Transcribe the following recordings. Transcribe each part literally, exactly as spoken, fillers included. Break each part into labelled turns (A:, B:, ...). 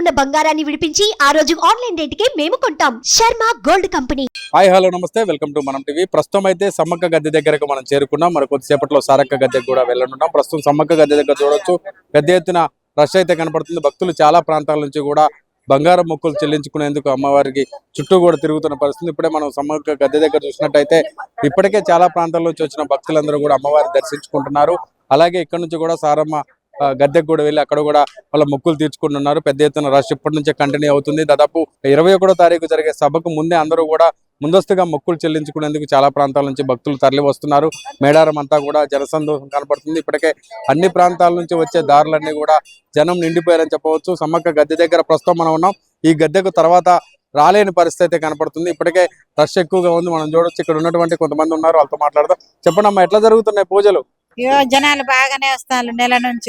A: ఉన్న బంగారాన్ని విడిపించి ఆ రోజు ఆన్లైన్ రేటుకే మేము కొంటాం. Sharma gold company.
B: Hi hello నమస్తే, వెల్కమ్ టు మనం టీవీ. ప్రస్తుతం అయితే సమ్మక్క గద్దె దగ్గరకు మనం చేరుకున్నాం. మరి కొద్దిసేపట్లో సారక్క గద్దెకు కూడా వెళ్ళనున్నాం. ప్రస్తుతం సమ్మక్క గద్దె దగ్గర చూడొచ్చు, పెద్ద ఎత్తున రష్ అయితే కనపడుతుంది. భక్తులు చాలా ప్రాంతాల నుంచి కూడా బంగారం మొక్కులు చెల్లించుకునేందుకు అమ్మవారికి చుట్టూ కూడా తిరుగుతున్న పరిస్థితి. ఇప్పుడే మనం సమ్మక్క గద్దె దగ్గర చూసినట్టయితే ఇప్పటికే చాలా ప్రాంతాల నుంచి వచ్చిన భక్తులందరూ కూడా అమ్మవారిని దర్శించుకుంటున్నారు. అలాగే ఇక్కడ నుంచి కూడా సారమ్మ గద్దెకు కూడా వెళ్ళి అక్కడ కూడా వాళ్ళ మొక్కులు తీర్చుకుంటున్నారు. పెద్ద ఎత్తున రష్ ఇప్పటి నుంచే కంటిన్యూ అవుతుంది. దాదాపు ఇరవై ఒకటో తారీఖు జరిగే సభకు ముందే అందరూ కూడా ముందస్తుగా మొక్కులు చెల్లించుకునేందుకు చాలా ప్రాంతాల నుంచి భక్తులు తరలి వస్తున్నారు. మేడారం అంతా కూడా జనసందోహం కనపడుతుంది. ఇప్పటికే అన్ని ప్రాంతాల నుంచి వచ్చే దారులన్నీ కూడా జనం నిండిపోయారని చెప్పవచ్చు. సమ్మక్క గద్దె దగ్గర ప్రస్తుతం మనం ఉన్నాం. ఈ గద్దెకు తర్వాత రాలేని పరిస్థితి కనపడుతుంది. ఇప్పటికే రష్ ఎక్కువగా ఉంది. మనం చూడొచ్చు, ఇక్కడ ఉన్నటువంటి కొంతమంది ఉన్నారు, వాళ్ళతో మాట్లాడదాం. చెప్పండి అమ్మా, ఎట్లా జరుగుతున్నాయి పూజలు?
C: జనాలు బాగానే వస్తారు నెల నుంచి.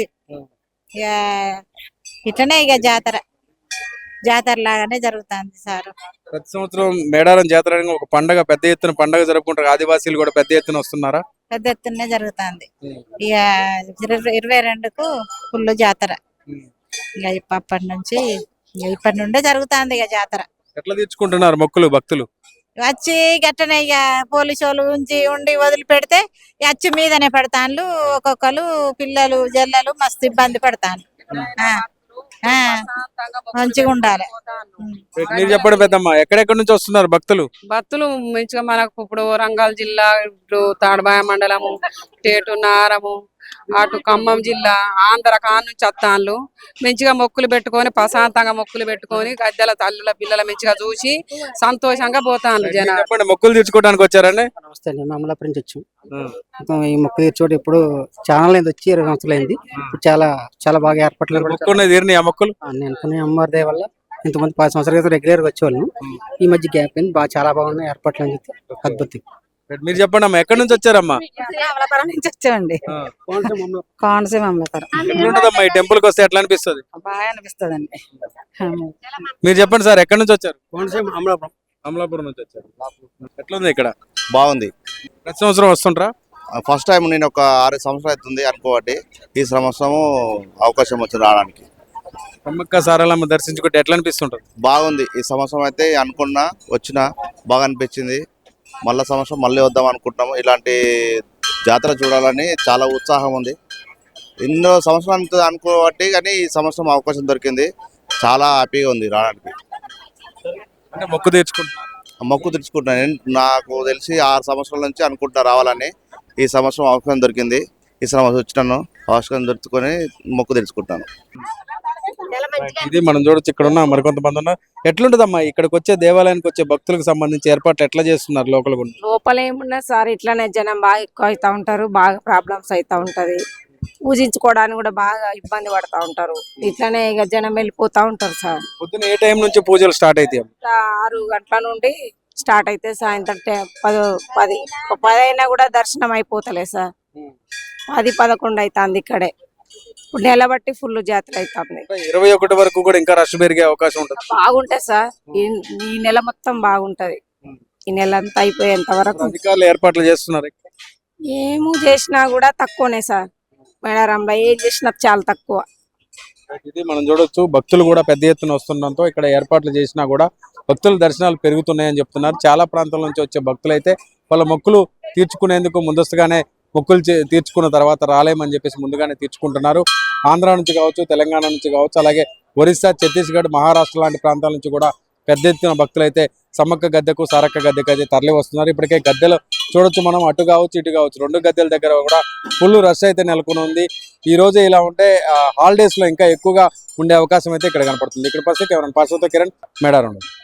C: ఇట్లనే ఇక జాతర జాతర లాగానే జరుగుతుంది సార్.
B: ప్రతి సంవత్సరం మేడారం జాతర ఒక పండగ, పెద్ద ఎత్తున పండగ జరుపుకుంటారు. ఆదివాసీలు కూడా పెద్ద ఎత్తున వస్తున్నారా?
C: పెద్ద ఎత్తునే జరుగుతుంది. ఇక ఇరవై రెండుకు ఫుల్ జాతర. ఇక అప్పటి నుంచి ఇప్పటి నుండే జరుగుతుంది ఇక జాతర.
B: ఎట్లా తీర్చుకుంటున్నారు మొక్కులు భక్తులు?
C: వచ్చి గట్టనే ఇక పోలీసు వాళ్ళు ఉంచి ఉండి వదిలిపెడితే వచ్చి మీదనే పెడతాను. ఒక్కొక్కరు పిల్లలు జల్లలు మస్తు ఇబ్బంది పడతాను. మంచిగా ఉండాలి.
B: మీరు చెప్పండి పెద్దమ్మ, ఎక్కడెక్కడి నుంచి వస్తున్నారు భక్తులు?
D: భక్తులు మంచిగా మనకు ఇప్పుడు వరంగల్ జిల్లా, ఇప్పుడు తాడబాయ మండలము, టేటు నారము, అటు ఖమ్మం జిల్లా, ఆంధ్ర కాను నుంచి వస్తాను. మంచిగా మొక్కులు పెట్టుకొని ప్రశాంతంగా మొక్కులు పెట్టుకొని గద్దెల తల్లుల పిల్లల మంచిగా చూసి సంతోషంగా పోతాను జనాలు.
B: మొక్కులు తీర్చుకోవడానికి వచ్చారండి?
E: నమస్తే అండి, మమ్మల్ని నుంచి వచ్చాం. ఈ మొక్కు తీర్చోటి ఇప్పుడు ఛానల్ అయింది, వచ్చి ఇరవై సంవత్సరాలు అయింది. చాలా చాలా బాగా ఏర్పాట్లు
B: మొక్కులు
E: అనుకునే అమ్మవారి దయ వల్ల ఇంతమంది పది సంవత్సరాల క్రితం రెగ్యులర్ గా వచ్చేవాళ్ళం. ఈ మధ్య గ్యాప్ అయింది, బాగా చాలా బాగున్నాయి ఏర్పాట్లు అని చెప్పి అద్భుతం.
B: మీరు చెప్పండి అమ్మా, ఎక్కడి నుంచి వచ్చారమ్మా?
C: నుంచి వచ్చామండి, కోనసీమ అమలాపురం.
B: ఎట్లుంటదమ్మా ఈ టెంపుల్ కి వస్తే ఎట్లా అనిపిస్తుంది?
C: బాగా అనిపిస్తుంది అండి.
B: మీరు చెప్పండి సార్, ఎక్కడి నుంచి వచ్చారు?
E: కోనసీమ అమలాపురం.
B: అమలాపురం నుంచి వచ్చారు. ఎట్లుంది ఇక్కడ?
F: బాగుంది.
B: ప్రతి సంవత్సరం వస్తుంటారా?
F: ఫస్ట్ టైం నేను ఒక ఆరు సంవత్సరాలు అవుతుంది అనుకోబట్టి ఈ సంవత్సరము అవకాశం వచ్చింది రావడానికి.
B: సమ్మక్క సారలమ్మ దర్శించుకుంటే ఎట్లా అనిపిస్తుంటది?
F: బాగుంది. ఈ సంవత్సరం అయితే అనుకున్నా వచ్చినా బాగా అనిపించింది. మళ్ళా సంవత్సరం మళ్ళీ వద్దాం అనుకుంటున్నాము. ఇలాంటి జాతర చూడాలని చాలా ఉత్సాహం ఉంది. ఎన్నో సంవత్సరాలు అనుకోబట్టి కానీ ఈ సంవత్సరం అవకాశం దొరికింది. చాలా హ్యాపీగా ఉంది రావడానికి.
B: అంటే మొక్కు తీర్చుకుంటా
F: మొక్కు తెచ్చుకుంటున్నాను. నాకు తెలిసి ఆరు సంవత్సరాల నుంచి అనుకుంటా రావాలని. ఈ సంవత్సరం అవకాశం దొరికింది. ఈ సంవత్సరం వచ్చినాను, అవకాశం దొరుకుని మొక్కు తెచ్చుకుంటాను.
B: ఇది మనం చూడొచ్చు, ఇక్కడ ఉన్న మరికొంతమంది ఉన్నారు. ఎట్లుంటదమ్మా ఇక్కడికి వచ్చే దేవాలయానికి వచ్చే భక్తులకు సంబంధించి ఏర్పాట్లు ఎట్లా చేస్తున్నారు లోకల్?
G: లోపల ఏమున్నా సార్, ఇట్లానే జనం బాగా ఎక్కువ అవుతా ఉంటారు, బాగా ప్రాబ్లమ్స్ అవుతా ఉంటది. పూజించుకోవడానికి కూడా బాగా ఇబ్బంది పడతా ఉంటారు. ఇట్లానే ఇక జనం వెళ్ళిపోతా ఉంటారు సార్.
B: పొద్దున ఏ టైం నుంచి పూజలు స్టార్ట్ అయితే?
G: ఆరు గంటల నుండి స్టార్ట్ అయితే సాయంత్రం పది పది పది అయినా కూడా దర్శనం అయిపోతలే సార్. పది పదకొండు అవుతుంది ఇక్కడే. ఇప్పుడు నెల బట్టి ఫుల్ జాతర అవుతుంది.
B: ఇరవై ఒకటి వరకు కూడా ఇంకా రష్ పెరిగే అవకాశం ఉంటుంది.
G: బాగుంటది సార్, ఈ నెల మొత్తం బాగుంటది. ఈ నెల అంతా అయిపోయేంత వరకు
B: అధికారులు ఏర్పాట్లు చేస్తున్నారు.
G: ఏమో చేసినా కూడా తక్కువనే సార్. మేడారంలో ఏం చేసినా చాలా తక్కువ.
B: ఇది మనం చూడొచ్చు, భక్తులు కూడా పెద్ద ఎత్తున వస్తుండటంతో ఇక్కడ ఏర్పాట్లు చేసినా కూడా భక్తుల దర్శనాలు పెరుగుతున్నాయని చెప్తున్నారు. చాలా ప్రాంతాల నుంచి వచ్చే భక్తులు అయితే వాళ్ళ మొక్కులు తీర్చుకునేందుకు ముందస్తుగానే మొక్కులు తీర్చుకున్న తర్వాత రాలేమని చెప్పేసి ముందుగానే తీర్చుకుంటున్నారు. ఆంధ్ర నుంచి కావచ్చు, తెలంగాణ నుంచి కావచ్చు, అలాగే ఒరిస్సా, ఛత్తీస్గఢ్, మహారాష్ట్ర లాంటి ప్రాంతాల నుంచి కూడా పెద్ద ఎత్తున భక్తులు అయితే సమ్మక్క గద్దెకు, సారక్క గద్దెకు అయితే తరలి వస్తున్నారు. ఇప్పటికే గద్దెలు చూడొచ్చు మనం, అటు కావచ్చు ఇటు కావచ్చు, రెండు గద్దెల దగ్గర కూడా ఫుల్ రష్ అయితే నెలకొని ఉంది. ఈ రోజే ఇలా ఉంటే హాలిడేస్ లో ఇంకా ఎక్కువగా ఉండే అవకాశం అయితే ఇక్కడ కనపడుతుంది. ఇక్కడ పరిస్థితి ఎవరైనా పరిస్థితి కిరణ్ మేడారం.